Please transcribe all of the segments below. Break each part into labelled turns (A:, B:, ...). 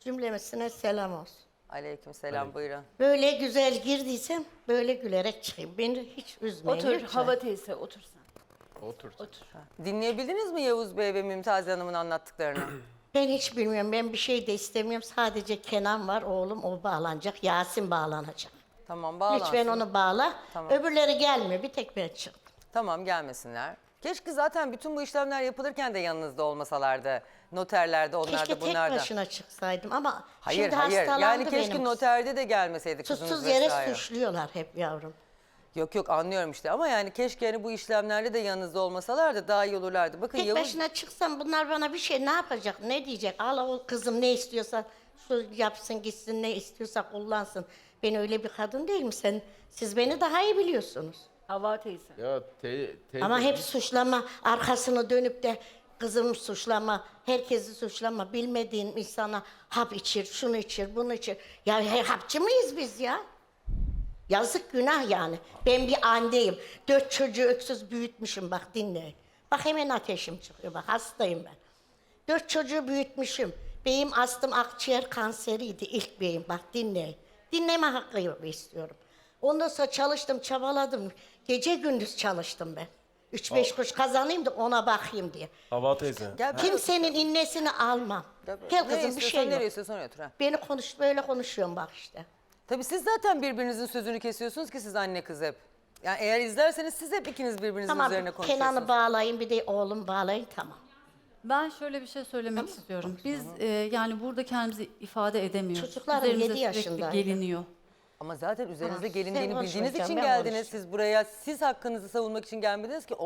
A: Cümlemesine selam olsun.
B: Aleykümselam, buyurun.
A: Böyle güzel girdiysem böyle gülerek çıkayım. Beni hiç üzmeyin
C: Otur
A: lütfen.
C: Hava teyze otur sen.
D: Otur.
C: Otur.
B: Dinleyebildiniz mi Yavuz Bey ve Mümtaz Hanım'ın anlattıklarını?
A: Ben hiç bilmiyorum. Ben bir şey de istemiyorum. Sadece Kenan var oğlum, o bağlanacak. Yasin bağlanacak.
B: Tamam, bağlansın.
A: Lütfen onu bağla.
B: Tamam.
A: Öbürleri gelmiyor. Bir tek ben çıktım.
B: Tamam, gelmesinler. Keşke zaten bütün bu işlemler yapılırken de yanınızda olmasalardı. Noterlerde, onlar
A: Keşke
B: da
A: tek
B: bunlar da.
A: başına çıksaydım ama
B: Hayır,
A: şimdi
B: hayır.
A: hastalandı
B: Yani keşke
A: benim.
B: noterde de gelmeseydi kızınız
A: Suçsuz yere
B: vesaire.
A: suçluyorlar hep yavrum.
B: Yok yok, anlıyorum işte ama yani keşke hani bu işlemlerde de yanınızda olmasalardı daha iyi olurlardı. Bakın
A: Tek
B: Yavuz...
A: başına çıksam bunlar bana bir şey ne yapacak, ne diyecek? Al o kızım ne istiyorsa şu yapsın gitsin, ne istiyorsa kullansın. Ben öyle bir kadın değilim. Siz beni daha iyi biliyorsunuz.
C: Hava teyze.
D: Ya teyze.
A: Ama hep suçlama, arkasını dönüp de kızımı suçlama, herkesi suçlama. Bilmediğin insana hap içir, şunu içir, bunu içir. Ya hapçı mıyız biz ya? Yazık, günah yani. Ben bir anneyim. 4 çocuğu öksüz büyütmüşüm, bak dinleyin. Bak hemen ateşim çıkıyor, bak hastayım ben. 4 çocuğu büyütmüşüm. Beyim astım, akciğer kanseriydi ilk beyim, bak dinleyin. Dinleme hakkı istiyorum. Ondan sonra çalıştım, çabaladım. Gece gündüz çalıştım ben. 3-5 kuruş kazanayım da ona bakayım diye.
E: Hava teyze.
B: Gel,
A: Kimsenin innesini almam. Gel
B: ne
A: kızım, bir
B: istiyorsan,
A: şey yok.
B: nereye istiyorsan oraya otur. Ha.
A: Beni böyle konuşuyorum bak işte.
B: Tabii siz zaten birbirinizin sözünü kesiyorsunuz ki siz anne kız hep. Yani eğer izlerseniz siz hep ikiniz birbirinizin
A: Tamam,
B: üzerine konuşuyorsunuz.
A: Kenan'ı bağlayın, bir de oğlum bağlayın, tamam.
F: Ben şöyle bir şey söylemek istiyorum. Biz yani burada kendimizi ifade edemiyoruz.
A: Çocuklarım
F: Üzerimize
A: 7
F: sürekli
A: yaşındaydı.
F: geliniyor.
B: Ama zaten üzerinize
A: Tamam,
B: gelindiğini
A: sen
B: bildiğiniz
A: konuşmayacaksın,
B: için
A: ben
B: geldiniz.
A: konuşacağım.
B: Siz buraya siz hakkınızı savunmak için gelmediniz ki.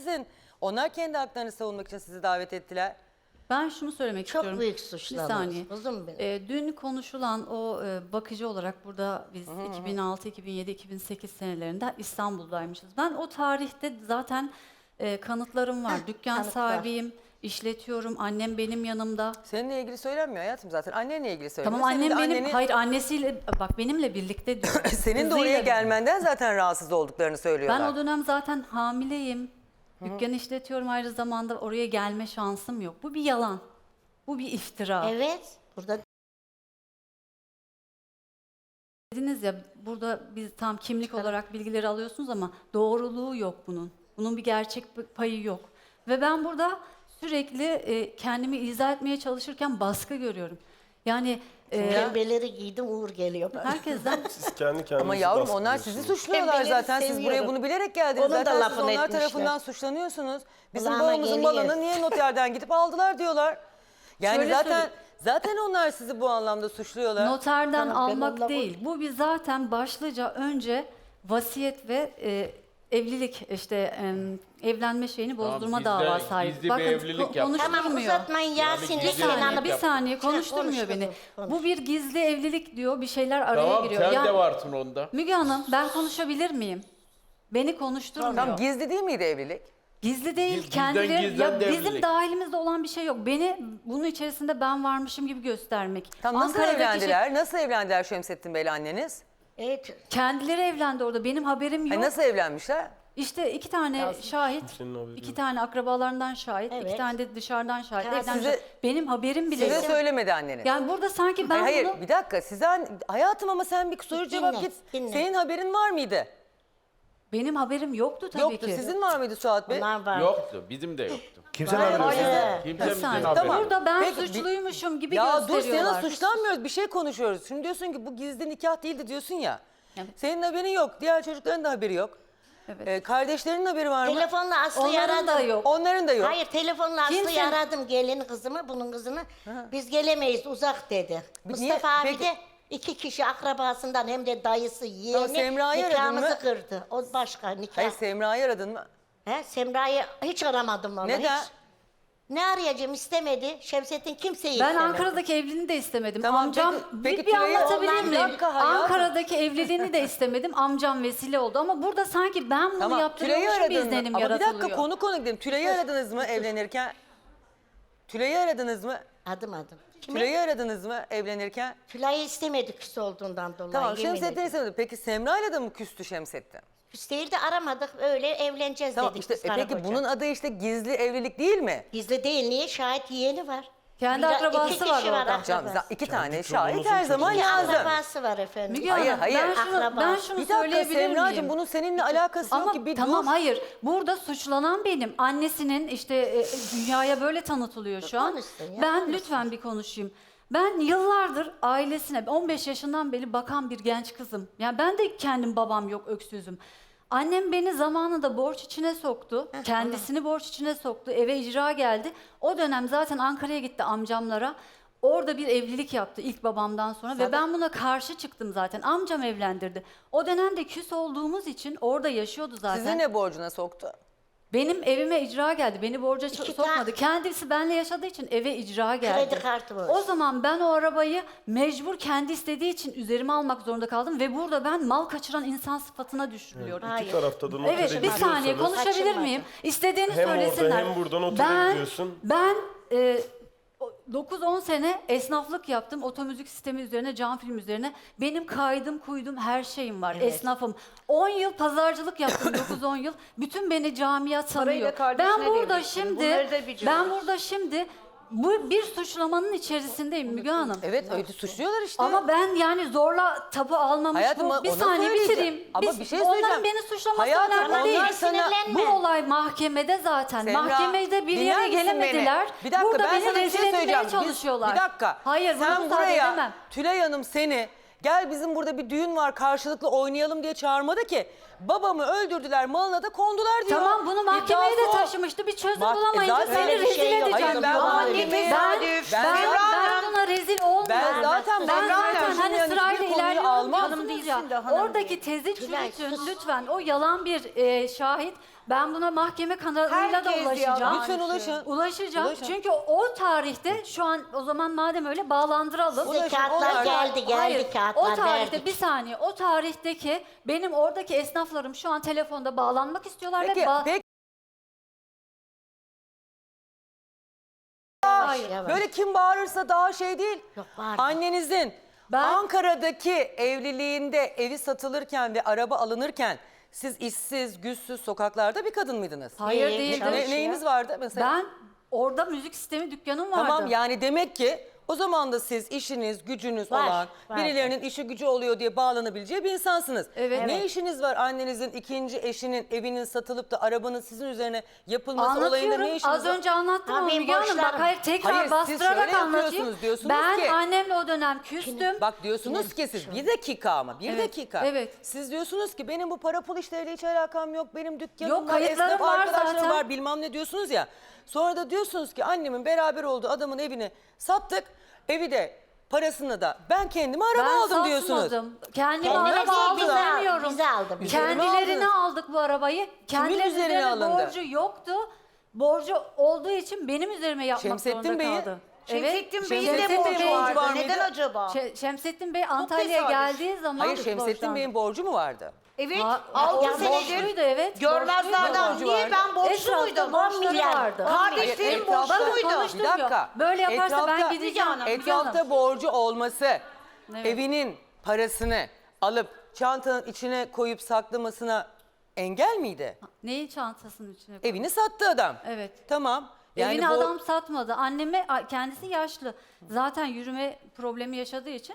B: Onlar kendi haklarını savunmak için sizi davet ettiler.
F: Ben şunu söylemek
A: Çok
F: istiyorum.
A: büyük
F: Bir
A: suçlanır.
F: saniye.
A: Kızım benim.
F: Dün konuşulan o bakıcı olarak burada biz 2006, 2007, 2008 senelerinde İstanbul'daymışız. Ben o tarihte zaten kanıtlarım var. Dükkan
A: kanıt var.
F: sahibiyim, işletiyorum. Annem benim yanımda.
B: Seninle ilgili söylenmiyor hayatım zaten. Annenle ilgili söyleniyor.
F: Tamam,
B: Senin
F: annem
B: de
F: benim, hayır annesiyle, bak benimle birlikte diyor.
B: Senin de oraya
F: Kızıyla-
B: gelmenden zaten rahatsız olduklarını söylüyorlar.
F: Ben o dönem zaten hamileyim. Dükkan işletiyorum, ayrı zamanda oraya gelme şansım yok. Bu bir yalan. Bu bir iftira.
A: Evet, burada
F: Dediniz ya, burada biz tam kimlik olarak bilgileri alıyorsunuz ama doğruluğu yok bunun. Bunun bir gerçek payı yok. Ve ben burada sürekli kendimi izah etmeye çalışırken baskı görüyorum. Yani
A: pembeleri giydim, Uğur geliyor bana.
F: herkesten
E: Siz kendi kendinizi
B: Ama yavrum onlar sizi suçluyorlar
A: Pembeleri
B: zaten. Siz buraya
A: seviyorum.
B: bunu bilerek geldiniz.
A: Onun da
B: zaten siz
A: lafını
B: onlar
A: etmişler.
B: tarafından suçlanıyorsunuz. Bizim
A: Kulağıma
B: babamızın
A: geliyor.
B: malını niye noterden gidip aldılar diyorlar. Yani
F: Şöyle
B: zaten onlar sizi bu anlamda suçluyorlar.
F: noterden
A: Tamam, ben
F: almak
A: onunla
F: değil. Bu bir zaten başlıca önce vasiyet ve evlilik evlenme şeyini bozdurma
D: gizli-
F: davası ait.
D: gizli bir evlilik yaptı.
A: Tamam,
F: konuşturmuyor.
A: uzatmayın Yasin'le
D: gizli
F: Bir
D: evlilik
A: Kenan'ı.
F: saniye, bir
D: yaptı.
F: saniye konuşturmuyor
A: konuş
F: beni.
A: kızım, konuş.
F: Bu bir gizli evlilik diyor, bir şeyler araya
D: Tamam
F: giriyor.
D: sen
F: Yani-
D: de varsın onda.
F: Müge Hanım, ben konuşabilir miyim? Beni konuşturmuyor.
B: Tam gizli değil miydi evlilik?
F: Gizli değil,
D: Gizliden
F: kendileri
D: gizlen
F: ya
D: de
F: bizim
D: evlilik.
F: dahilimizde olan bir şey yok. Beni bunun içerisinde ben varmışım gibi göstermek.
B: Tam nasıl
F: Ankara'daki
B: evlendiler? Nasıl evlendiler Şemsettin Bey'le anneniz?
A: Evet,
F: kendileri evlendi orada. Benim haberim yok.
B: Hani nasıl evlenmişler?
F: İşte 2 tane şahit,
E: Senin haberin
F: 2
E: yok.
F: tane akrabalarından şahit, 2
A: Evet.
F: tane de dışarıdan şahit.
A: Ya
F: evlenmişler.
B: size-
F: Benim haberim bile
B: Size
F: yok.
B: söylemedi anneniz.
F: Yani burada sanki ben
B: Hayır,
F: bunu...
B: bir dakika. Hayatım ama sen bir soru
A: Dinle,
B: cevap git.
A: dinle.
B: Senin haberin var mıydı?
F: Benim haberim yoktu tabii
B: Yoktu.
F: ki.
B: Sizin var mıydı Suat Bey?
A: bunlar var.
D: Yoktu. Bizim de yoktu.
E: Kimsenin haberi yok.
A: Hayır.
D: Kimse
F: Bir saniye.
D: haberi
B: Tamam.
D: yok.
F: Burada ben
B: Peki,
F: suçluymuşum gibi
B: Ya dur
F: gösteriyorlar.
B: sana suçlanmıyoruz. Bir şey konuşuyoruz. Şimdi diyorsun ki bu gizli nikah değildi diyorsun ya.
F: Evet.
B: Senin haberin yok. Diğer çocukların da haberi yok.
F: Evet.
B: Kardeşlerinin haberi var mı?
A: Telefonla Aslı'yı
F: Onların
A: aradım.
F: da yok.
B: Onların da yok.
A: Hayır, telefonla Aslı'yı
F: Kimse-
A: aradım, gelin kızımı, bunun kızını. Biz gelemeyiz, uzak dedi.
B: Niye?
A: Mustafa abi
B: Peki-
A: de 2 kişi akrabasından hem de dayısı, yeğeni
B: Semra'yı aradın
A: nikahımızı
B: mı?
A: kırdı. O başka nikah.
B: Hayır Semra'yı aradın mı?
A: Semra'yı hiç aramadım onu.
B: Neden?
A: Hiç. Ne arayacağım, istemedi. Şemsettin kimseyi
F: Ben
A: istemedi.
F: Ankara'daki evliliğini de istemedim.
B: Tamam,
F: Amcam
B: peki
F: bir
B: Tülay'ı-
F: anlatabilir
B: Bir
F: miyim?
B: dakika hayatım.
F: Ankara'daki evliliğini de istemedim. Amcam vesile oldu ama burada sanki ben bunu
B: Tamam. Tülay'ı
F: yaptırıyormuşum bir
B: aradın mı?
F: izlenim
B: Ama bir
F: yaratılıyor.
B: dakika konu gidelim. Tülay'ı aradınız mı evlenirken? Tülay'ı aradınız mı?
A: Adım. Kimi?
B: Tülay'ı aradınız mı evlenirken?
A: Tülay'ı istemedi küs olduğundan dolayı.
B: Tamam
A: yemin
B: Şemsettin
A: ederim.
B: istemedi. Peki Semra'yla da mı küstü Şemsettin?
A: Küs değil de aramadık, öyle evleneceğiz
B: Tamam
A: dedik
B: işte
A: biz karı
B: peki
A: koca.
B: bunun adı işte gizli evlilik değil mi?
A: Gizli değil, niye? Şahit yeğeni var.
F: Kendi
A: Bir de
F: akrabası
A: iki
F: var
A: kişi var
F: orada.
A: akrabası.
B: İki tane
E: çoluğunuzun
B: şahit her zaman
A: Bir
B: lazım.
A: akrabası var efendim.
F: Müge
B: Hayır,
F: Hanım,
B: hayır.
F: ben şunu
B: Bir dakika
F: söyleyebilir
B: Semracığım,
F: miyim?
B: bunun seninle alakası yok
F: Ama
B: ki. Bir
F: tamam
B: dur.
F: hayır. Burada suçlanan benim. Annesinin işte dünyaya böyle tanıtılıyor şu an.
A: Konuşsun ya,
F: Ben
A: konuşsun.
F: lütfen bir konuşayım. Ben yıllardır ailesine 15 yaşından beri bakan bir genç kızım. Yani ben de kendim babam yok, öksüzüm. Annem beni zamanında borç içine soktu. Kendisini borç içine soktu. Eve icra geldi. O dönem zaten Ankara'ya gitti amcamlara. Orada bir evlilik yaptı ilk babamdan sonra ve ben buna karşı çıktım zaten. Amcam evlendirdi. O dönemde küs olduğumuz için orada yaşıyordu zaten.
B: Sizi ne borcuna soktu?
F: Benim evime icra geldi. Beni borca
A: İki
F: sokmadı.
A: tane-
F: Kendisi benimle yaşadığı için eve icra geldi.
A: Kredi kartı borcu.
F: O zaman ben o arabayı mecbur kendi istediği için üzerime almak zorunda kaldım ve burada ben mal kaçıran insan sıfatına düşürüyorum.
A: Hayır.
E: İki tarafta da notere
F: Evet, bir saniye
E: gidiyorsanız
F: konuşabilir
A: Kaçırmadı.
F: miyim? İstediğini
E: Hem orada
F: söylesinler.
E: hem burada notere gidiyorsun.
F: Ben 9-10 sene esnaflık yaptım. Otomüzik sistemi üzerine, cam film üzerine. Benim kaydım, kuydum, her şeyim var. Esnafım. 10 yıl pazarcılık yaptım, 9-10 yıl. Bütün beni camia
C: Parayı da
F: tanıyor.
C: kardeşine
F: Ben burada
C: devrettin. Bunları da
F: şimdi,
C: biliyoruz.
F: ben burada şimdi bu bir suçlamanın içerisindeyim Müge Hanım.
B: Evet, öyle suçluyorlar işte.
F: Ama ben yani zorla tapu almamış
B: Hayatım,
F: bu. Bir
B: onu
F: saniye
B: söyleyeceğim.
F: bitireyim.
B: Ama bir şey
F: Onların
B: söyleyeceğim.
F: beni suçlaması
B: Hayatım,
F: önemli
B: onlar
F: değil.
B: sana-
F: Bu olay mahkemede zaten.
B: Semra,
F: Mahkemede bir
B: dinler
F: yere
B: misin
F: gelemediler.
B: beni? Bir dakika,
F: Burada
B: ben
F: beni
B: sana bir
F: rezil
B: şey
F: etmeye
B: söyleyeceğim.
F: çalışıyorlar.
B: Bir dakika.
F: Hayır, bunu
B: Sen
F: müsaade
B: buraya
F: edemem.
B: Tülay Hanım seni gel bizim burada bir düğün var karşılıklı oynayalım diye çağırmadı ki. Babamı öldürdüler, malına da kondular diyor.
F: Tamam bunu mahkemeye
B: İddiası
F: de
B: o.
F: taşımıştı. Bir çözüm
B: Bak,
F: bulamayınca
B: zaten
F: seni
A: öyle bir
F: rezil
A: şey yok.
F: edeceğim.
B: Hayır, ben
F: diyor.
B: bunu
F: Ama
B: annemeye-
F: ben buna rezil olmuyorum.
B: Ben zaten
F: ben
B: Semra
F: zaten
B: Hanım,
F: hani
B: yani
F: sırayla
B: hiçbir konuyu
F: ilerliyorum
B: almam.
F: diyorsunuz
C: Hanım
F: ya.
C: değilsin de hanım
F: Oradaki tezi
A: Tülay,
F: çürütün
A: sus.
F: lütfen. O yalan bir şahit. Ben buna mahkeme kanalıyla da
C: Herkes
F: ulaşacağım.
C: yalan.
B: Lütfen ulaşın.
F: Ulaşacağım.
B: Ulaşın.
F: Çünkü o tarihte şu an o zaman madem öyle bağlandıralım.
A: Size kağıtlar geldi
F: Hayır,
A: kağıtlar
F: o tarihte
A: verdik.
F: bir saniye. O tarihteki benim oradaki esnaflarım şu an telefonda bağlanmak istiyorlar
B: Peki,
F: ve
B: peki
F: Hayır.
A: Yavaş.
B: böyle kim bağırırsa daha şey değil.
A: Yok, bağırma.
B: Annenizin
F: Ben-
B: Ankara'daki evliliğinde evi satılırken ve araba alınırken siz işsiz, güçsüz sokaklarda bir kadın mıydınız?
F: Hayır
A: İyi,
F: değildim.
A: çalışıyor.
B: Neyiniz vardı mesela?
F: Ben orada müzik sistemi dükkanım vardı.
B: Tamam, yani demek ki o zaman da siz işiniz, gücünüz
A: Var,
B: olan,
A: var.
B: birilerinin işi gücü oluyor diye bağlanabileceği bir insansınız.
F: Evet.
B: Ne
F: Evet.
B: işiniz var annenizin ikinci eşinin evinin satılıp da arabanın sizin üzerine yapılması olayında
F: Anlatıyorum.
B: ne işiniz
F: Az
B: var?
F: önce anlattım
A: Ha,
F: ama
A: benim
F: Müge Hanım bak
A: borçlarım.
F: hayır tekrar
B: Hayır, siz
F: bastırarak
B: şöyle
F: anlatayım.
B: yapıyorsunuz, diyorsunuz
F: Ben
B: ki-
F: annemle o dönem küstüm.
B: Bak diyorsunuz ki siz bir dakika ama bir
F: Evet,
B: dakika.
F: evet.
B: Siz diyorsunuz ki benim bu para pul işleriyle hiç alakam yok. Benim dükkanım
F: Yok,
B: var,
F: kayıtlarım
B: esnaf
F: var
B: arkadaşlarım
F: zaten.
B: var bilmem ne diyorsunuz ya. Sonra da diyorsunuz ki annemin beraber olduğu adamın evini sattık. Evi de parasını da ben kendime araba
F: Ben
B: aldım diyorsunuz.
F: satmadım. Kendime
A: Kendine
F: araba
A: değil,
F: aldım
A: bize al-
F: demiyorum.
A: bize aldı, bize.
F: Kendilerine aldık bu arabayı. Kendilerinin
B: üzerine
F: üzerine
B: alındı?
F: borcu yoktu. Borcu olduğu için benim üzerime yapmak
B: Şemsettin
F: zorunda
B: Bey'in-
F: kaldı.
C: Şemsettin Bey'in
B: Şemsettin
C: de
B: Bey'in
C: borcu
B: borcu var
C: vardı.
B: mıydı?
C: Neden acaba?
F: Şemsettin Bey Antalya'ya
C: tesadüf.
F: geldiği zaman
B: Hayır, Şemsettin
F: borçlandı.
B: Bey'in borcu mu vardı?
C: Evet.
F: Ha,
C: 6
F: ya
C: senedir
F: borçluydu, evet.
C: görmezlerden.
B: Borcu
C: Niye
B: vardı.
C: ben borçlu
F: Etrafta
C: muydum?
F: borçları vardı.
C: Kardeşlerim
B: Hayır, etrafta-
C: borçluydu.
F: Konuştum
B: Bir dakika.
F: ya. Böyle yaparsa ben gideceğim.
C: Müge Hanım,
B: Etrafta borcu olması,
F: Evet.
B: evinin parasını alıp çantanın içine koyup saklamasına engel miydi?
F: Neyin çantasının içine koydun?
B: Evini sattı adam.
F: Evet.
B: Tamam. Yani
F: Evini
B: bu-
F: adam satmadı. Anneme kendisi yaşlı. Zaten yürüme problemi yaşadığı için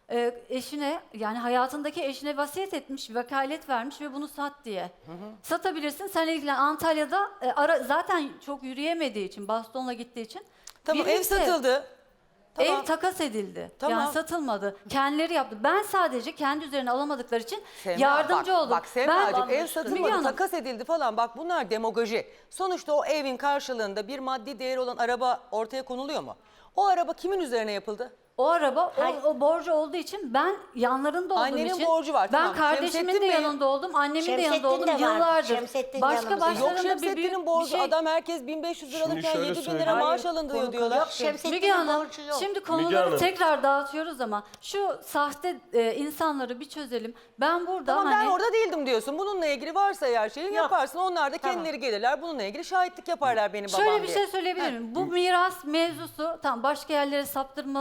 F: eşine yani hayatındaki eşine vasiyet etmiş, vekalet vermiş ve bunu sat diye. Satabilirsin. Sen ilgilen. Antalya'da zaten çok yürüyemediği için, bastonla gittiği için.
B: Tamam, ev
F: birlikte-
B: satıldı. Tamam.
F: Ev takas edildi.
B: Tamam.
F: Yani satılmadı. Kendileri yaptı. Ben sadece kendi üzerine alamadıkları için
B: Semra,
F: yardımcı
B: bak,
F: oldum.
B: Bak Semra'cığım ev
F: Müge
B: satılmadı,
F: Hanım,
B: takas edildi falan. Bak bunlar demagoji. Sonuçta o evin karşılığında bir maddi değeri olan araba ortaya konuluyor mu? O araba kimin üzerine yapıldı?
F: O araba o borcu olduğu için ben yanlarında olduğum
B: Annenin
F: için
B: borcu var,
F: ben
B: tamam.
F: kardeşimin
B: Şemsettin
F: de
B: Bey-
F: yanında oldum, annemin de
A: Şemsettin
F: yanında oldum
A: de vardı.
F: yıllardır.
A: Şemsettin
F: Başka
A: yanımızda.
B: Yok,
F: başlarında
B: Şemsettin'in borcu adam herkes 1500 lira
E: Şimdi
B: alırken
E: şöyle
B: 7000 lira
E: söyleyeyim.
B: maaş alındı diyorlar.
A: Yok Şemsettin'in
F: Müge Hanım
A: borcu yok.
F: şimdi
E: Müge
F: konuları
E: Hanım.
F: tekrar dağıtıyoruz ama şu sahte insanları bir çözelim. Ben burada
B: Tamam,
F: hani
B: ben orada değildim diyorsun. Bununla ilgili varsa eğer şeyin yaparsın. Onlar da kendileri gelirler. Bununla ilgili şahitlik yaparlar benim babam
F: şöyle bir
B: diye.
F: şey söyleyebilir miyim? Bu miras mevzusu tamam başka yerlere saptırmanın bir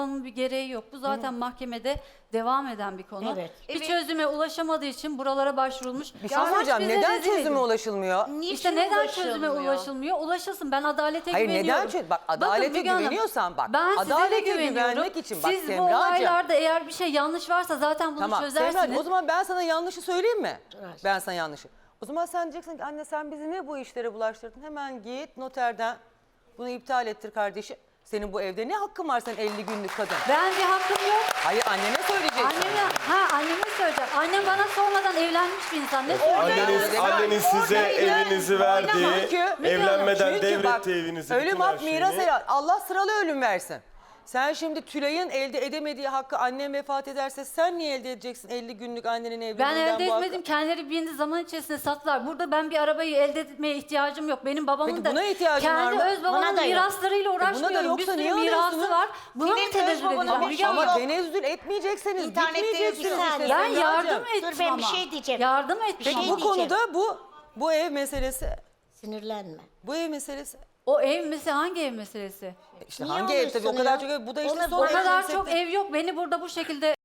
F: gereği yok. Bu zaten mahkemede devam eden bir konu.
A: Evet.
F: Bir
C: Evet.
F: çözüme ulaşamadığı için buralara başvurulmuş.
B: Bir şey
F: Amaç
B: soracağım.
F: bize
B: Neden
F: rezil
B: çözüme
F: edin.
B: ulaşılmıyor?
F: İşte neden çözüme ulaşılmıyor? Ulaşılsın. Ben adalete
B: Hayır,
F: güveniyorum.
B: neden çözüm? Bak, adalete
F: Müge Hanım,
B: güveniyorsan bak,
F: ben size de
B: adalete
F: güveniyorum.
B: güvenmek için bak
F: Siz bu
B: Semracığım.
F: olaylarda eğer bir şey yanlış varsa zaten bunu
B: Tamam
F: çözersiniz.
B: Semracığım, o zaman ben sana yanlışı söyleyeyim mi?
A: Evet.
B: Ben sana yanlışı. O zaman sen diyeceksin ki anne sen bizi ne bu işlere bulaştırdın? Hemen git noterden bunu iptal ettir kardeşim. Senin bu evde ne hakkın var sen 50 günlük kadın?
F: Ben bir hakkım yok.
B: Hayır annene söyleyeceksin.
F: Anneme söyleyeceğim. Annem bana sormadan evlenmiş bir insan. Ne söyleyeceğim?
E: Anneniz size evinizi verdiği,
B: Çünkü-
E: evlenmeden
B: Çünkü bak,
E: devretti evinizi.
B: ölüm
E: bütün
B: hak
E: her şeyini.
B: miras helal. Allah sıralı ölüm versin. Sen şimdi Tülay'ın elde edemediği hakkı annem vefat ederse sen niye elde edeceksin 50 günlük annenin
F: Ben
B: evliliğinden
F: elde
B: bu hakkı?
F: etmedim. Kendileri bir zaman içerisinde sattılar. Burada ben bir arabayı elde etmeye ihtiyacım yok. Benim babamın
B: Peki
F: da
B: buna ihtiyacın var
F: kendi
B: mı?
F: öz babamın
A: Buna da yok.
F: miraslarıyla
B: buna da
F: uğraşmıyorum. Bir
B: yoksa
F: sürü
B: niye
F: mirası
B: alıyorsunuz?
F: var. Buna mı
C: Senin öz
F: tenezzül
C: babanın
F: edeceğim?
C: bir
F: Müge
C: şey
F: Hanım?
B: Ama
C: yok.
B: tenezzül etmeyeceksiniz,
C: İnternette
B: gitmeyeceksiniz.
C: yazıyor.
B: işte
F: Ben
B: Semracığım.
F: yardım ettim
A: Dur, ben
F: ama.
A: bir şey diyeceğim.
F: Yardım ettim
A: Bir şey
F: ama.
B: Bu
A: diyeceğim.
B: konuda bu ev meselesi,
A: Sinirlenme.
B: bu ev meselesi.
F: O ev meselesi hangi ev meselesi?
B: İşte
A: Niye
B: hangi ev tabii o
A: oluyorsun
B: kadar
A: ya?
B: çok ev, bu da işte
A: Onu-
B: son
F: O
B: ev
F: kadar
B: meselesi.
F: çok ev yok. Beni burada bu şekilde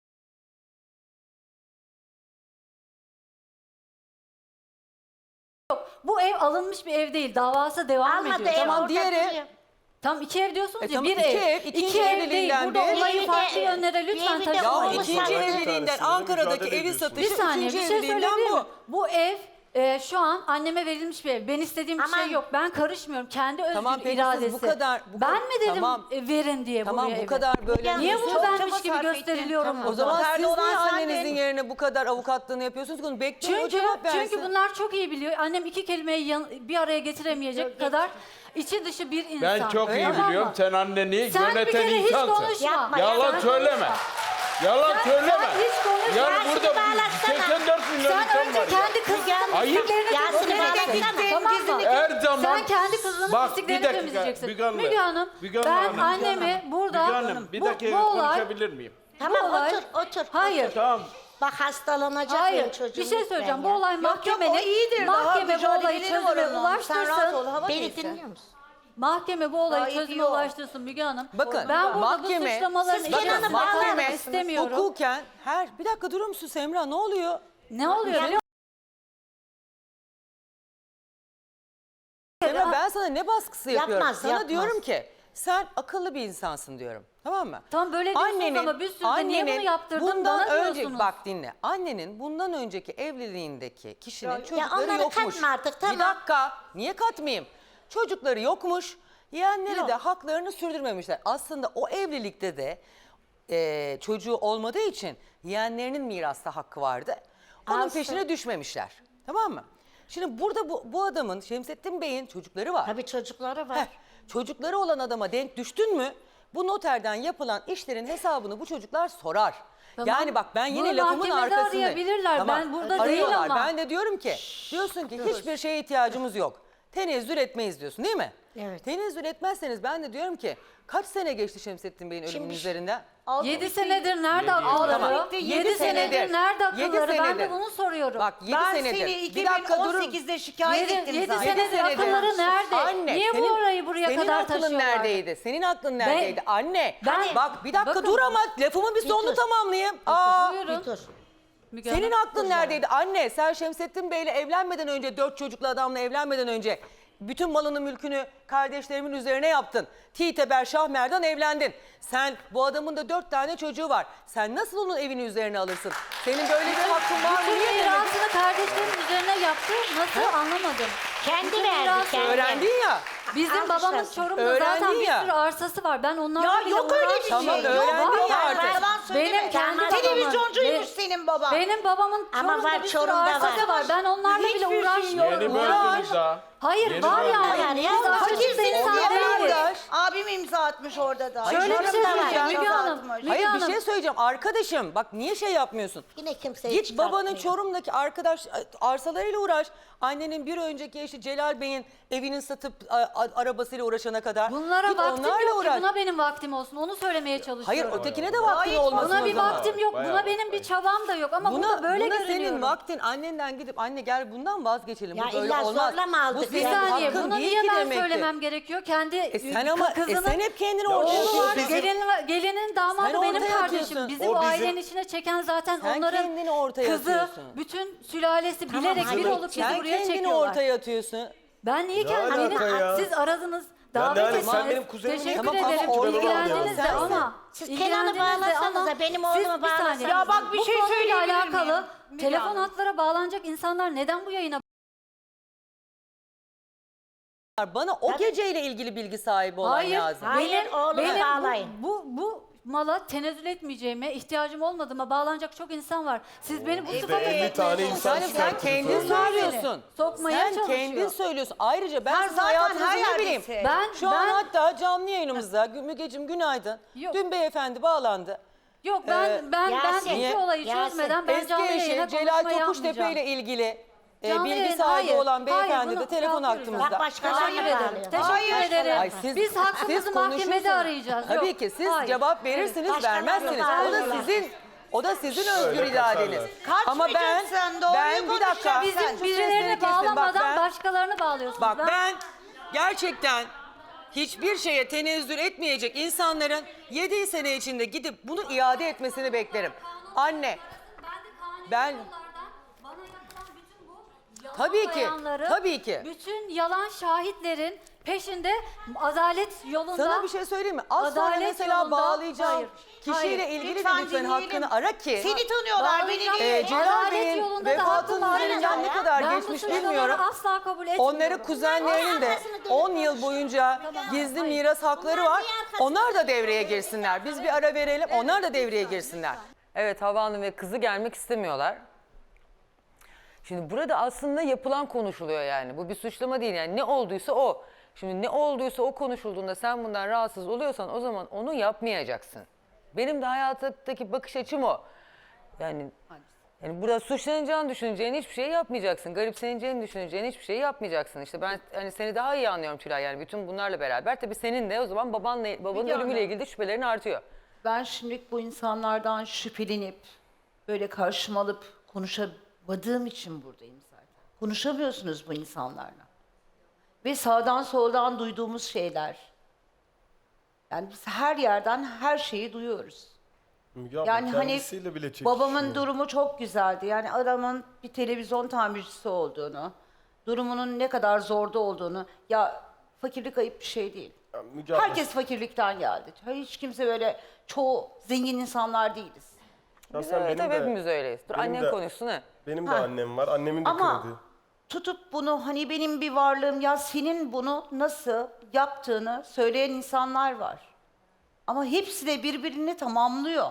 F: bu ev alınmış bir ev değil. Davası devam
A: Almadı
F: ediyor.
A: ev
B: Tamam,
A: orada
B: diğeri-
A: duruyor.
F: Tam 2 ev diyorsunuz ya.
B: tamam,
F: Bir
B: iki
F: ev.
B: ev, ikinci
F: İki ev değil.
B: evliliğinden
F: Burada
B: bir-
F: olayı
A: Bir
F: farklı
A: de-
F: yönlere
A: bir
F: lütfen
A: evi de
B: Ya
F: taşımayın.
A: olmuş
B: ikinci
A: zaten.
B: evliliğinden
E: Tanesiyle
B: Ankara'daki
E: mücadele
B: evi
E: ediyorsunuz.
B: satışı
F: Bir saniye
B: ikinci
F: bir şey
B: evliliğinden
F: söyleyebilir miyim?
B: bu.
F: Bu ev şu an anneme verilmiş bir ev. Ben istediğim bir
A: Aman.
F: şey yok. Ben karışmıyorum. Kendi özgür
B: Tamam, peki siz
F: iradesi.
B: bu kadar-
F: ben mi dedim
B: Tamam.
F: verin diye
B: Tamam
F: buraya
B: bu
F: evi?
B: kadar böyle.
F: Niye
C: Çok
F: bunu
C: çaba
F: benmiş gibi
C: sarf ettin.
F: gösteriliyorum
A: Tamam.
B: O
F: burada?
B: zaman
C: Nerede
B: siz niye
C: olan sen
B: annenizin
C: de-
B: yerine bu kadar avukatlığını yapıyorsunuz ki onu bekleyin o
F: Çünkü
B: cevap versin.
F: bunlar çok iyi biliyor. Annem iki kelimeyi bir araya getiremeyecek kadar içi dışı bir insan.
D: Ben çok iyi
F: Tamam mı?
D: biliyorum. Sen anneni
F: Sen bir
D: yöneten
F: kere hiç
D: insansın.
F: konuşma.
A: Yapma,
D: Yalan
F: Sen
D: söyleme.
F: konuşma.
D: Yalan söyleme.
F: Sen hiç konuşma.
D: Yani
A: Yasin'i
D: burada
A: bağlatsana.
D: 84 milyon
F: Sen
D: insan
F: önce
D: var ya.
F: kendi kızının
D: Ayıp.
F: pisliklerini
A: Yasin'i
F: temizleyeceksin.
A: bağlatsana.
F: Tamam mı?
D: Her zaman.
F: Sen kendi kızının
D: Bak,
F: pisliklerini
D: bir dakika,
F: temizleyeceksin.
D: Müge Hanım.
F: Müge Hanım,
D: Müge Hanım,
F: ben
D: Hanım.
F: annemi burada...
D: Müge Hanım bir dakika
F: bu olay-
D: konuşabilir miyim?
A: Tamam
F: bu olay-
A: otur.
F: Hayır.
D: Tamam.
A: Bak hastalanacak
F: Hayır,
A: benim çocuğum.
F: bir şey
A: lütfen
F: söyleyeceğim.
A: ya.
F: Bu olay
C: Yok,
F: mahkemenin,
C: o iyidir. Daha
F: mahkeme bu olayı
C: mücadeleleri var
F: çözüme
C: onun. Sen rahat ol.
F: ulaştırsın.
C: Hava
A: Beni
C: neyse.
A: dinliyor musun?
F: Mahkeme bu olayı
C: Gayet
F: çözüme
C: iyi o.
F: ulaştırsın Müge Hanım.
B: Bakın,
F: ben burada
B: mahkeme-
F: bu suçlamaların
A: Siz
F: içine
A: Kenan'ı
F: bakmak
A: bağlar
F: istemiyorum.
B: Hukuken bir dakika durur musun Semra ne oluyor?
F: Ne oluyor biliyor musun?
B: Semra ben sana ne baskısı yapıyorum?
A: Yapmaz,
B: Sana
A: yapmaz.
B: diyorum ki sen akıllı bir insansın diyorum. Tamam mı?
F: Tamam, böyle diyorsunuz ama bir sürü de niye bunu yaptırdın
B: bundan
F: bana
B: önce,
F: diyorsunuz.
B: Bak dinle. Annenin bundan önceki evliliğindeki kişinin çocukları
A: onları
B: yokmuş.
A: katma artık, tamam.
B: Bir dakika. Niye katmayayım? Çocukları yokmuş. Yeğenleri de haklarını sürdürmemişler. Aslında o evlilikte de çocuğu olmadığı için yeğenlerinin mirasta hakkı vardı. Onun
A: Alsın.
B: peşine düşmemişler. Tamam mı? Şimdi burada bu adamın Şemsettin Bey'in çocukları var.
A: Tabii çocukları var.
B: Heh, çocukları olan adama denk düştün mü bu noterden yapılan işlerin hesabını bu çocuklar sorar.
F: Tamam.
B: Yani bak ben yine
F: Bunu
B: lafımın
F: mahkemede
B: arkasındayım.
F: arayabilirler. Ben burada değil
B: Arıyorlar.
F: ama.
B: Ben de diyorum ki diyorsun ki hiçbir şeye ihtiyacımız yok. Tenezzül etmeyiz diyorsun değil mi?
A: Evet.
B: Tenezzül etmezseniz ben de diyorum ki kaç sene geçti Şemsettin Bey'in ölümünün üzerinden?
F: 7 senedir nerede
D: Yedi.
F: akılları?
B: Tamam.
F: 7
B: Yedi
F: senedir
B: senedir.
F: nerede
B: 7
F: akılları? Ben de
B: senedir.
F: bunu soruyorum.
B: Bak 7
C: Ben
B: senedir.
C: seni
B: Bir dakika durun.
C: 2018'de şikayet ettim
F: 7
C: zaten.
F: senedir akılları nerede?
B: Anne,
F: Niye bu orayı buraya
B: senin
F: kadar
B: aklın
F: taşıyorlar?
B: neredeydi? Senin aklın neredeydi? Anne.
F: ben-
B: bak bir dakika
F: bakın-
B: dur ama lafımın bir sonunu
A: dur.
B: tamamlayayım. Aa,
F: Buyurun.
A: Bir dur.
F: Müge
B: senin
F: Hanım.
B: aklın neredeydi? Anne sen Şemsettin Bey'le evlenmeden önce 4 çocuklu adamla evlenmeden önce bütün malını mülkünü kardeşlerimin üzerine yaptın. Titeber Şahmer'den evlendin. Sen bu adamın da 4 tane çocuğu var. Sen nasıl onun evini üzerine alırsın? Senin böyle bir hakkın var mı?
F: Bütün
B: Niye demedin?
F: mirasını kardeşlerin üzerine yaptı. Nasıl anlamadım.
A: Kendi
F: Bütün
A: verdi
F: mirası-
A: kendi.
B: Öğrendin ya.
F: Bizim
A: Alkışlasın.
F: babamın Çorum'da
B: Öğrendin
F: zaten bir
B: ya.
F: sürü arsası var. Ben onlarla
C: Ya
F: bile
C: yok öyle bir şey.
B: Tamam,
C: Yok,
B: öğrendin
C: var
B: ya artık.
C: Yalan söyleme.
F: Benim kendi babamın-
C: Televizyoncuymuş
F: Be-
C: senin baban.
F: Benim babamın
A: Ama
F: Çorum'da
A: var,
F: bir sürü
A: Çorum'da
F: arsası
A: var.
F: var. Ben onlarla bile
C: Hiçbir şey yok.
F: uğraşmıyorum.
D: Yeni
B: Var.
D: böldünüz daha.
F: Hayır
D: Yeni
F: var
D: böldünüz.
F: yani.
A: Ya,
F: Biz açıkçası
C: Fakirsiniz
F: insan
C: diye
F: değiliz.
C: kardeş. Abim imza atmış orada da.
F: Şöyle bir şey
C: Çorum'da var,
F: söyleyeceğim
C: imza
F: Müge Hanım.
C: atmış.
B: Hayır bir
F: Hanım.
B: şey söyleyeceğim. Arkadaşım bak niye şey yapmıyorsun?
A: Yine kimseyi
B: Git babanın
A: çıkartmıyor.
B: Çorum'daki arkadaş arsalarıyla uğraş. Annenin bir önceki eşi Celal Bey'in evinin satıp arabasıyla uğraşana kadar.
F: Bunlara
B: Git
F: vaktim
B: onlarla
F: yok ki.
B: uğraş.
F: Buna benim vaktim olsun. Onu söylemeye çalışıyorum.
B: Hayır ötekine de vaktin olmasın
F: Buna
B: o
F: bir
B: zaman.
F: vaktim yok.
D: Bayağı
F: Buna benim bir çabam da yok. Ama
B: Buna,
F: burada böyle
B: buna
F: görünüyorum.
B: senin vaktin annenden gidip anne gel bundan vazgeçelim.
A: Ya
B: Bu böyle
A: illa
B: olmaz.
A: zorla mı aldık
B: Bu
F: Bir
B: senin
A: ya?
F: saniye.
B: hakkın
F: Bunu
B: değil
F: niye
B: ki
F: ben
B: demektir.
F: söylemem gerekiyor? Kendi
B: Sen ama
F: kızının
B: sen hep kendini
E: Ya
B: ortaya
F: oğlu var.
B: atıyorsun.
F: Gelinin damadı
B: Sen
F: benim
B: ortaya
F: kardeşim.
B: atıyorsun.
F: Bizi
E: O
F: bu
E: bizim-
F: ailenin içine çeken zaten
B: Sen
F: onların
B: kendini ortaya
F: kızı,
B: atıyorsun.
F: bütün sülalesi
A: Tamam,
F: bilerek bir
A: hayır.
F: olup bizi
B: Sen
F: buraya
B: kendini
F: çekiyorlar.
B: ortaya atıyorsun.
F: Ben niye
E: Ne alaka ya?
F: siz aradınız,
E: Ya
F: davet
E: ne alaka?
F: ettiniz.
E: Sen benim kuzenimi niye
F: Teşekkür
B: Tamam,
F: ederim.
B: ama orada
F: İlgilendiniz de
B: sensin.
F: ama.
A: Siz Kenan'ı
F: ilgilendiniz de
A: bağlasanıza,
F: ama
A: benim
F: siz
A: oğlumu
F: bir saniye.
A: bağlasanıza.
C: Ya bak bir
F: Bu
C: şey
F: konuyla
C: söyleyebilir
F: alakalı
C: miyim? Müge
F: telefon
C: Hanım.
F: hatlara bağlanacak insanlar neden bu yayına
B: Bana o geceyle ilgili bilgi sahibi olan
F: Hayır,
B: lazım.
A: Hayır, oğlumu bağlayın.
F: bu mala tenezzül etmeyeceğime, ihtiyacım olmadığıma bağlanacak çok insan var. Siz beni bu sıfata
E: 50 tane insan
B: Yani sen
E: çıkarttınız
B: kendin
E: sonra.
B: söylüyorsun.
F: Sokmaya
B: sen
F: çalışıyor.
B: kendin söylüyorsun. Ayrıca ben
C: Sen
B: sizin
C: zaten
B: hayatınızı
C: her
B: ne bileyim.
C: yerdesin.
F: Ben
B: Şu an hatta canlı yayınımızda Mügeciğim günaydın.
F: Yok.
B: Dün beyefendi bağlandı.
F: Yok ben
A: Yasin,
F: iki olayı
A: Yasin.
F: çözmeden ben
B: Eski
F: canlı yayına
B: eşi Celal
F: konuşma
B: Tokuştepe
F: yapmayacağım.
B: ile ilgili
F: Canlı
B: bilgi
F: yayın,
B: sahibi
F: hayır,
B: olan beyefendi de
F: bunu
B: telefon
F: kaldıracağım.
B: hakkımızda.
A: Bak başkalarına
F: Teşekkür ederim.
A: bağlıyor.
F: Teşekkür
C: Hayır.
F: ederim.
B: Ay, siz-
F: Biz hakkımızı
B: siz
F: mahkemede
B: konuşursunuz.
F: arayacağız.
B: Tabii
F: Yok,
B: ki siz
F: hayır.
B: cevap verirsiniz,
A: Başkalarına
B: vermezsiniz.
A: bağlıyorlar.
B: O da sizin özgür iradeniz.
C: Kaçmayacaksın,
B: Ama ben bir dakika.
C: konuşacaksın.
F: Bizim
C: Şu
B: sesleri
F: birilerini
B: kesin. Bak
F: bağlamadan
B: ben-
F: başkalarını bağlıyorsunuz.
B: Bak ben gerçekten hiçbir şeye tenezzül etmeyecek insanların 7 sene içinde gidip bunu iade etmesini beklerim. Anne, ben- Tabii ki, tabii ki.
F: Bütün yalan şahitlerin peşinde adalet yolunda.
B: sana bir şey söyleyeyim mi? Az sonra
F: Adalet
B: mesela
F: yolunda-
B: bağlayacağım
F: Hayır,
B: kişiyle
F: hayır.
B: ilgili de
C: Lütfen
B: lütfen
C: dinleyelim.
B: hakkını ara ki.
C: Seni tanıyorlar, beni
F: Bağlayacağım.
C: değil.
B: Celal
F: Adalet
B: Bey'in
F: yolunda da
B: vefatının
F: hakkım var.
B: üzerinden ne kadar
F: Ben bu
B: geçmiş
F: suçlamaları
B: bilmiyorum.
F: asla kabul etmiyorum.
B: Onları kuzenlerinin de 10 yıl boyunca gizli miras hakları var. Onlar da devreye girsinler. Biz bir ara verelim. Onlar da devreye girsinler. Evet, Havva Hanım ve kızı gelmek istemiyorlar. Şimdi burada aslında yapılan konuşuluyor yani. Bu bir suçlama değil yani. Ne olduysa o. Şimdi ne olduysa o konuşulduğunda sen bundan rahatsız oluyorsan o zaman onu yapmayacaksın. Benim de hayattaki bakış açım o. Yani burada suçlanacağını düşüneceğin hiçbir şey yapmayacaksın. Garipseneceğini düşüneceğin hiçbir şey yapmayacaksın. İşte ben hani seni daha iyi anlıyorum Tülay yani bütün bunlarla beraber. Tabii senin de o zaman babanın
G: Müge
B: ölümüyle
G: Hanım.
B: ilgili de şüphelerin artıyor.
G: Ben şimdilik bu insanlardan şüphelenip böyle karşıma alıp konuşamadığım için buradayım zaten. Konuşamıyorsunuz bu insanlarla. Ve sağdan soldan duyduğumuz şeyler. Yani biz her yerden her şeyi duyuyoruz.
E: Müge abla
G: Yani hani
E: kendisiyle bile çekişiyor.
G: babamın durumu çok güzeldi. Yani adamın bir televizyon tamircisi olduğunu, durumunun ne kadar zorda olduğunu. Ya fakirlik ayıp bir şey değil.
E: Ya Müge abla,
G: Herkes fakirlikten geldi. Hiç kimse böyle çoğu zengin insanlar değiliz.
E: ya sen
B: Evet,
E: benim
B: tabii
E: de-
B: hepimiz öyleyiz. Dur
E: benim
B: annen
E: de-
B: konuşsun ha.
E: Benim de
G: Ha.
E: annem var. Annemin de
G: Ama
E: kırdı.
G: tutup bunu hani benim bir varlığım ya senin bunu nasıl yaptığını söyleyen insanlar var. Ama hepsi de birbirini tamamlıyor.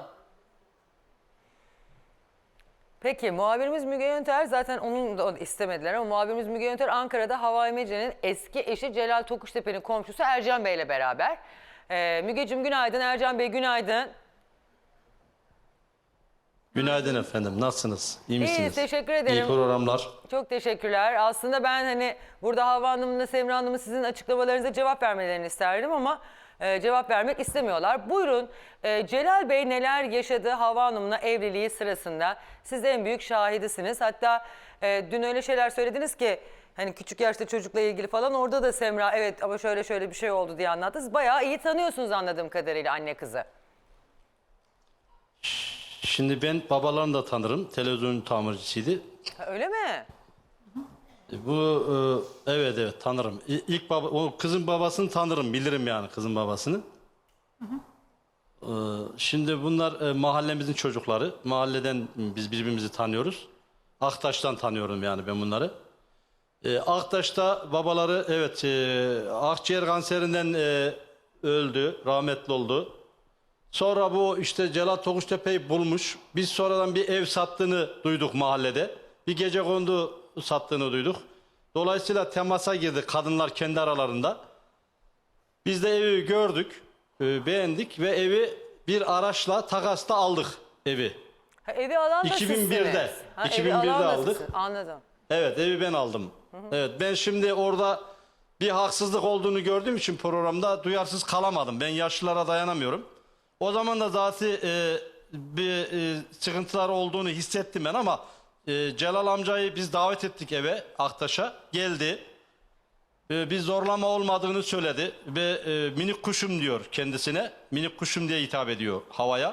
B: Peki muhabirimiz Müge Yönter zaten onun da istemediler ama muhabirimiz Müge Yönter Ankara'da Hava Emece'nin eski eşi Celal Tokuştepe'nin komşusu Ercan Bey ile beraber. Mügeciğim günaydın, Ercan Bey günaydın.
H: Günaydın efendim. Nasılsınız? İyi misiniz?
B: İyiyiz, teşekkür ederim.
H: İyi programlar.
B: Çok teşekkürler. Aslında ben hani burada Havva Hanım'la Semra Hanım'ın sizin açıklamalarınıza cevap vermelerini isterdim ama cevap vermek istemiyorlar. Buyurun Celal Bey neler yaşadı Havva Hanım'la evliliği sırasında? Siz de en büyük şahidisiniz. Hatta dün öyle şeyler söylediniz ki hani küçük yaşta çocukla ilgili falan orada da Semra evet ama şöyle şöyle bir şey oldu diye anlattı. Siz bayağı iyi tanıyorsunuz anladığım kadarıyla anne kızı.
H: Şimdi ben babalarını da tanırım. Televizyon tamircisiydi.
B: Ha, öyle mi?
H: Bu evet tanırım. İlk baba o kızın babasını tanırım. Bilirim yani kızın babasını. Şimdi bunlar mahallemizin çocukları. Mahalleden biz birbirimizi tanıyoruz. Aktaş'tan tanıyorum yani ben bunları. Aktaş'ta babaları evet akciğer kanserinden öldü, rahmetli oldu. Sonra bu işte Celal Tokuştepe'yi bulmuş. Biz sonradan bir ev sattığını duyduk mahallede. Bir gecekondu sattığını duyduk. Dolayısıyla temasa girdi kadınlar kendi aralarında. Biz de evi gördük, beğendik ve evi bir araçla takasta aldık evi.
B: Ha, evi alan da
H: 2001'de.
B: sizsiniz. Ha, evi
H: 2001'de
B: alan da
H: aldık.
B: sizsiniz. Anladım.
H: Evet, evi ben aldım. Evet, ben şimdi orada bir haksızlık olduğunu gördüğüm için programda duyarsız kalamadım. Ben yaşlılara dayanamıyorum. O zaman da zaten bir sıkıntılar olduğunu hissettim ben ama Celal amcayı biz davet ettik eve, Aktaş'a. Geldi. Bir zorlama olmadığını söyledi ve minik kuşum diyor kendisine. Minik kuşum diye hitap ediyor havaya.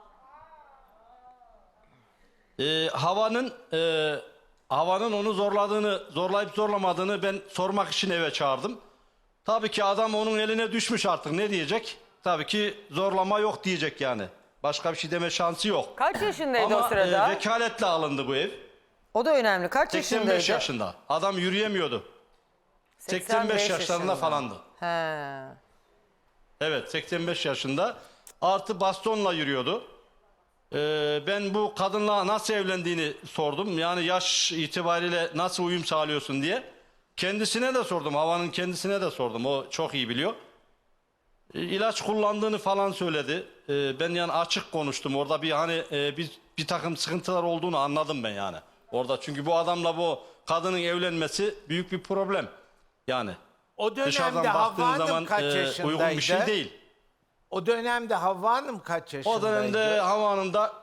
H: Havanın onu zorlayıp zorlamadığını ben sormak için eve çağırdım. Tabii ki adam onun eline düşmüş artık, ne diyecek? Tabii ki zorlama yok diyecek yani. Başka bir şey deme şansı yok.
B: Kaç yaşındaydı
H: Ama
B: o sırada?
H: vekaletle alındı bu ev.
B: O da önemli. Kaç
H: 85
B: yaşındaydı?
H: yaşında. Adam yürüyemiyordu. 85 yaşlarında falandı.
B: He.
H: Evet, 85 yaşında. Artı bastonla yürüyordu. Ben bu kadınla nasıl evlendiğini sordum. Yani yaş itibariyle nasıl uyum sağlıyorsun diye. Kendisine de sordum. Havanın kendisine de sordum. O çok iyi biliyor. İlaç kullandığını falan söyledi. Ben yani açık konuştum. Orada bir hani bir takım sıkıntılar olduğunu anladım ben yani. Orada çünkü bu adamla bu kadının evlenmesi büyük bir problem. Yani
D: O
H: dışarıdan
D: dönemde
H: baktığın
D: Havva
H: zaman
D: Hanım kaç yaşındaydı?
H: uygun bir şey değil.
D: O dönemde Havva Hanım kaç yaşındaydı?
H: O dönemde Havva Hanım da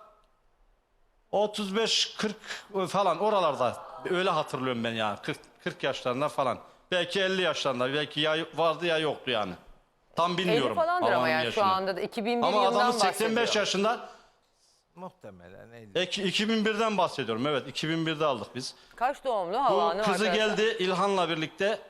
H: 35-40 falan oralarda, öyle hatırlıyorum ben yani. 40 yaşlarında falan. Belki 50 yaşlarında, belki ya vardı ya yoktu yani. Tam
B: 50
H: bilmiyorum.
B: falandır
H: Havva
B: ama
H: Hanım'ın
B: yani şu
H: yaşını.
B: anda da 2001
H: Ama
B: yılından
H: adamın 85
B: bahsediyor.
H: yaşında.
D: Muhtemelen 50.
H: 2001'den bahsediyorum. Evet, 2001'de aldık biz.
B: Kaç doğumlu
H: Bu
B: Hava Hanım
H: kızı
B: arkadaşlar?
H: geldi İlhan'la birlikte.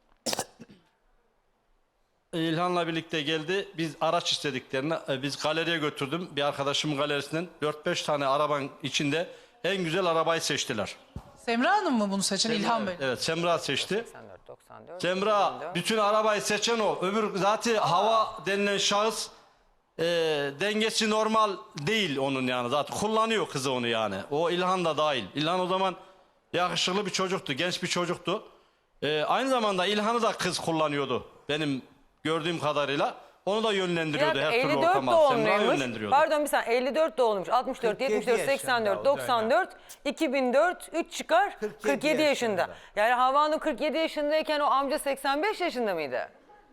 H: İlhan'la birlikte geldi. Biz araç istediklerini biz galeriye götürdüm. Bir arkadaşımın galerisinden 4-5 tane arabanın içinde en güzel arabayı seçtiler.
I: Semra Hanım mı bunu seçen İlhan Bey?
H: Evet, Semra seçti.
B: 84, 94,
H: Semra
B: 2004.
H: bütün arabayı seçen o. Öbür zaten Hava denilen şahıs dengesi normal değil onun yani. Zaten kullanıyor kızı onu yani. O İlhan da dahil. İlhan o zaman yakışıklı bir çocuktu, genç bir çocuktu. Aynı zamanda İlhan'ı da kız kullanıyordu benim gördüğüm kadarıyla. Onu da
B: Bir
H: yönlendiriyordu
B: dakika,
H: her türlü
B: 54
H: ortama. Semra
B: doğumluymuş.
H: yönlendiriyordu.
B: Pardon bir saniye, 54 doğumluymuş. 64,
D: 47
B: 74,
D: yaşında
B: 84,
D: o
B: 94, 2004, 3 çıkar 47 yaşında.
D: yaşında.
B: Yani Hava Hanım 47 yaşındayken o amca 85 yaşında mıydı?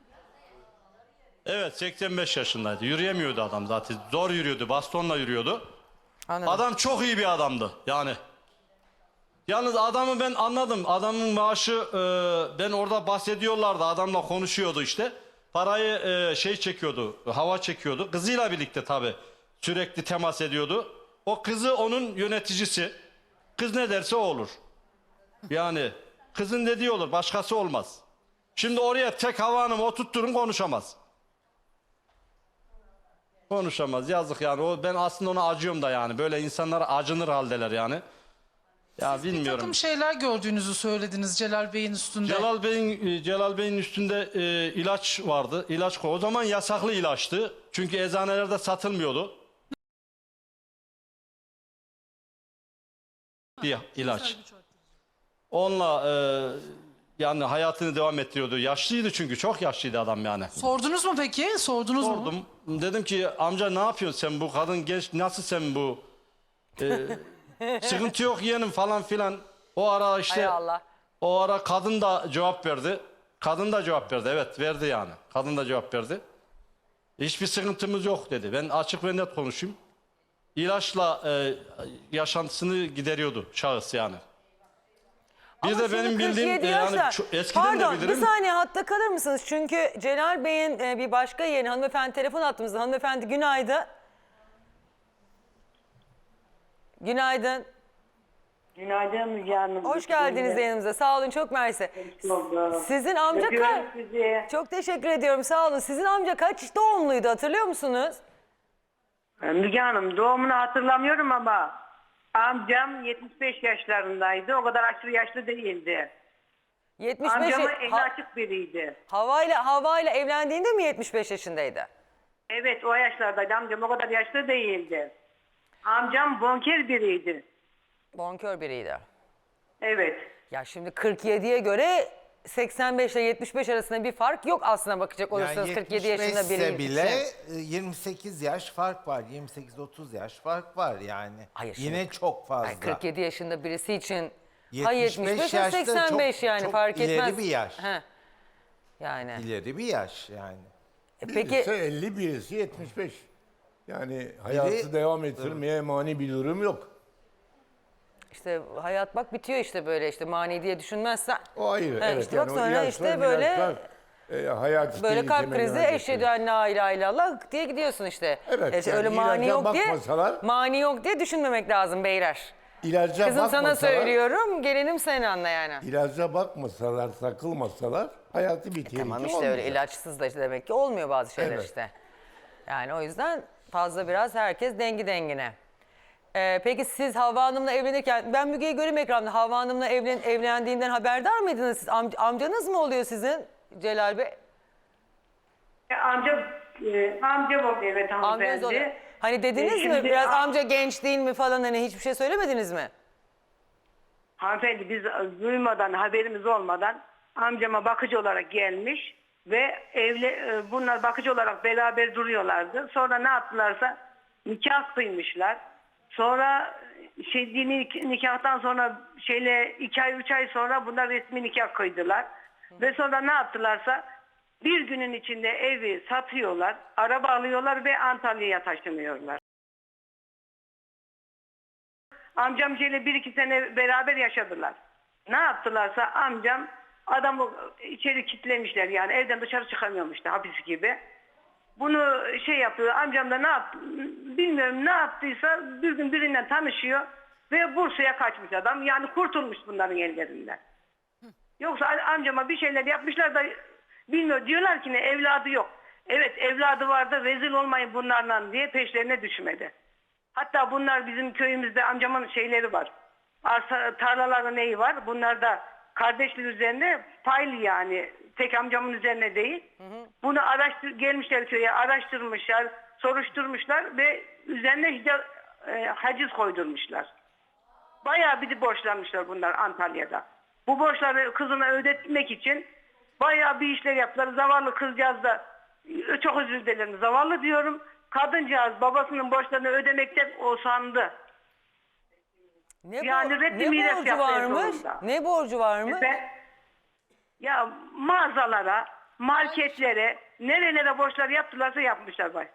H: Evet, 85 yaşındaydı. Yürüyemiyordu adam zaten. Zor yürüyordu, bastonla yürüyordu.
B: Anladım.
H: Adam çok iyi bir adamdı yani. Yalnız adamı ben anladım. Adamın maaşı ben orada bahsediyorlardı. Adamla konuşuyordu işte. Parayı çekiyordu, hava çekiyordu. Kızıyla birlikte tabii sürekli temas ediyordu. O kızı onun yöneticisi. Kız ne derse o olur. Yani kızın dediği olur, başkası olmaz. Şimdi oraya tek Hava Hanım'ı oturtturun, konuşamaz. Konuşamaz, yazık yani. Ben aslında ona acıyorum da yani. Böyle insanlara acınır haldeler yani. Ya
I: Bir
H: bilmiyorum.
I: takım şeyler gördüğünüzü söylediniz Celal Bey'in üstünde.
H: Celal Bey'in üstünde ilaç vardı. İlaç o zaman yasaklı ilaçtı. Çünkü eczanelerde satılmıyordu. Bir ilaç. Onunla yani hayatını devam ettiriyordu. Yaşlıydı çünkü, çok yaşlıydı adam yani.
I: Sordunuz mu peki? Sordunuz mu?
H: Sordum. Dedim ki amca ne yapıyorsun sen, bu kadın genç, nasıl sen bu? Sıkıntı yok yeğenim falan filan. O ara
B: Hay
H: işte
B: Allah.
H: o ara kadın da cevap verdi. Kadın da cevap verdi, evet verdi yani. Kadın da cevap verdi. Hiçbir sıkıntımız yok dedi. Ben açık ve net konuşayım. İlaçla yaşantısını gideriyordu şahıs yani. Bir
B: Ama
H: de
B: şimdi
H: benim bildiğim
B: 47
H: yani
B: yaşlar.
H: eskiden
B: Pardon,
H: de bilirim.
B: bir saniye hatta kalır mısınız? Çünkü Celal Bey'in bir başka yeğeni hanımefendi telefon attığımızda. Hanımefendi günaydın. Günaydın.
J: Günaydın Müge Hanım.
B: Hoş geldiniz yanımıza. Sağ olun, çok mersi. Sizin amca
J: Öpüyorum
B: kaç?
J: sizi.
B: Çok teşekkür ediyorum, sağ olun. Sizin amca kaç doğumluydu, hatırlıyor musunuz?
J: Müge Hanım doğumunu hatırlamıyorum ama amcam 75 yaşlarındaydı. O kadar aşırı yaşlı değildi.
B: 75
J: Amcamın eli açık biriydi.
B: Havayla evlendiğinde mi 75 yaşındaydı?
J: Evet o yaşlardaydı. Amcam o kadar yaşlı değildi. Amcam bonker biriydi.
B: Bonkör biriydi.
J: Evet.
B: Ya şimdi 47'ye göre 85 ile 75 arasında bir fark yok aslına bakacak
D: Yani
B: olursanız 47 yaşında
D: 75
B: biri
D: ise bile
B: için.
D: 28 yaş fark var. 28-30 yaş fark var yani.
B: Hayır,
D: Yine
B: şimdi-
D: çok fazla.
B: Ay, 47 yaşında birisi için
D: 75
B: 75 ya
D: yaşta
B: 85
D: çok-
B: yani
D: çok
B: fark
D: ileri
B: etmez.
D: bir yaş.
B: He. Yani.
D: İleri bir yaş yani.
B: Peki
K: Birisi 50, birisi 75. Yani hayatı devam ettirmeye mani bir durum yok.
B: işte hayat bak bitiyor işte böyle işte mani diye düşünmezsen.
K: O ayrı.
B: Ha,
K: evet.
B: işte
K: yani
B: bak
K: o
B: sonra
K: ilaçlar,
B: işte böyle
K: hayat
B: böyle kalp
K: tehlikeli
B: krizi
K: merak
B: eşhedü
K: ettirir.
B: en la ilahe illallah diye gidiyorsun işte.
K: Evet,
B: öyle
K: yani
B: mani
K: ilaca
B: yok diye
K: bakmasalar-
B: mani yok diye düşünmemek lazım beyler.
K: İlaca
B: Kızım sana
K: bakmasalar,
B: söylüyorum, gelinim sen anla yani.
K: İlaca bakmasalar, takılmasalar hayatı bir tehlike
B: Tamam işte
K: olmayacak.
B: öyle ilaçsız da işte demek ki olmuyor bazı şeyler
K: Evet.
B: işte. Yani o yüzden fazla biraz herkes dengi dengine. Peki siz Havva Hanım'la evlenirken, ben Müge'yi göreyim ekranda. Havva Hanım'la evlendiğinden haberdar mıydınız siz? Amcanız mı oluyor sizin Celal Bey?
J: Amcam oldu evet
B: Amcanız oluyor.
J: hanımefendi.
B: Hani dediniz mi
J: Şimdi-
B: biraz amca genç değil mi falan hani hiçbir şey söylemediniz mi?
J: Hanımefendi biz duymadan, haberimiz olmadan amcama bakıcı olarak gelmiş ve bunlar bakıcı olarak beraber duruyorlardı. Sonra ne yaptılarsa nikah kıymışlar. Sonra dini nikahtan sonra 2 ay 3 ay sonra bunlar resmi nikah kıydılar. Ve sonra ne yaptılarsa bir günün içinde evi satıyorlar, araba alıyorlar ve Antalya'ya taşınıyorlar. Amcam şeyle 1-2 sene beraber yaşadılar. Ne yaptılarsa amcam adamı içeri kilitlemişler yani evden dışarı çıkamıyormuştu hapis gibi. Bunu yapıyor amcam da ne yaptı bilmiyorum ne yaptıysa bir gün birinden tanışıyor ve Bursa'ya kaçmış adam yani kurtulmuş bunların ellerinden. Yoksa amcama bir şeyler yapmışlar da bilmiyor diyorlar ki ne evladı yok. Evet evladı vardı rezil olmayın bunlarla diye peşlerine düşmedi. Hatta bunlar bizim köyümüzde amcamın şeyleri var. Arsa, tarlaların neyi var? Bunlar da kardeşliği üzerine paylı yani. Tek amcamın üzerine değil. Bunu gelmişler köye araştırmışlar, soruşturmuşlar ve üzerine haciz koydurmuşlar. Bayağı bir de borçlanmışlar bunlar Antalya'da. Bu borçları kızına ödetmek için bayağı bir işler yaptılar. Zavallı kızcağız da çok özür dilerim zavallı diyorum. Kadıncağız babasının borçlarını ödemekten usandı. Yani reddi miras
B: borcu
J: yapmaya
B: varmış?
J: zorunda.
B: Ne borcu varmış?
J: Ya mağazalara, marketlere, nerelere borçlar yaptılarsa yapmışlar bak.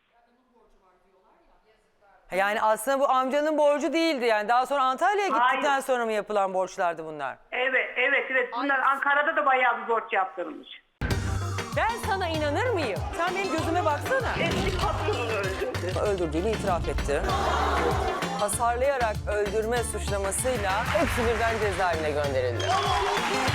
B: Yani aslında bu amcanın borcu değildi yani. Daha sonra Antalya'ya gittikten
J: Hayır.
B: sonra mı yapılan borçlardı bunlar?
J: Evet. Bunlar Ankara'da da bayağı bir borç yaptırmış.
B: Ben sana inanır mıyım? Sen benim gözüme baksana.
J: Eski patronunu öldürdü.
B: Öldürdüğünü itiraf etti. Hasarlayarak öldürme suçlamasıyla hepsi birden cezaevine gönderildi.